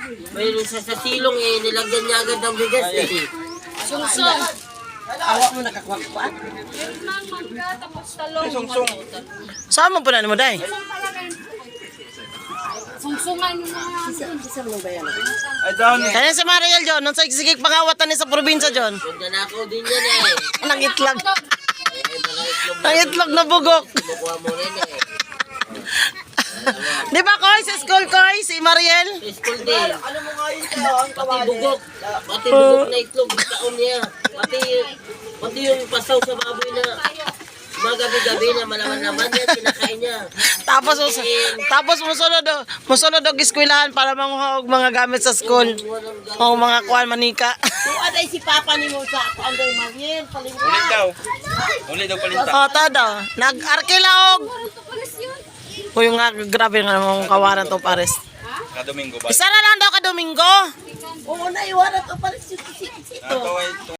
Mayroon sa silong eh, nilagyan niya agad ng bigas eh. Sungsong. Awa mo nakakwakwan? Meron nang mangga, tapos talong. Saan mo punan mo, day? Sungsungan yung mga... Sisam mo ba yan? Kaya si Mariel, John. Nung sa sigig pangawatan ni sa probinsya, John. Nanakaw din yan eh. Nang itlog. Eh, mga itlog Nang itlog na bugok. kinukuha mo rin eh. Di ba, Koy? Sa school, Koy? Si Mariel? Sa school din. Pati bugok. Pati bugok na itlog. Taon niya. Pati yung pasaw sa baboy na mga gabi-gabi na malaman-laman yan, kinakain niya. Tapos musunod og eskwelahan para manguha og mga gamit sa school. O mga kuan manika. Tuwa day si Papa ni mo sa Anday Mariel. Ulit daw. Ulit daw palinta. O, tada. Nag-arkila og. Uy, nga, grabe nga mga kawaran to, pares. Domingo ba? Isa na lang daw ka Domingo. Oo, naiwanan to pa rin si Tito. Ito ay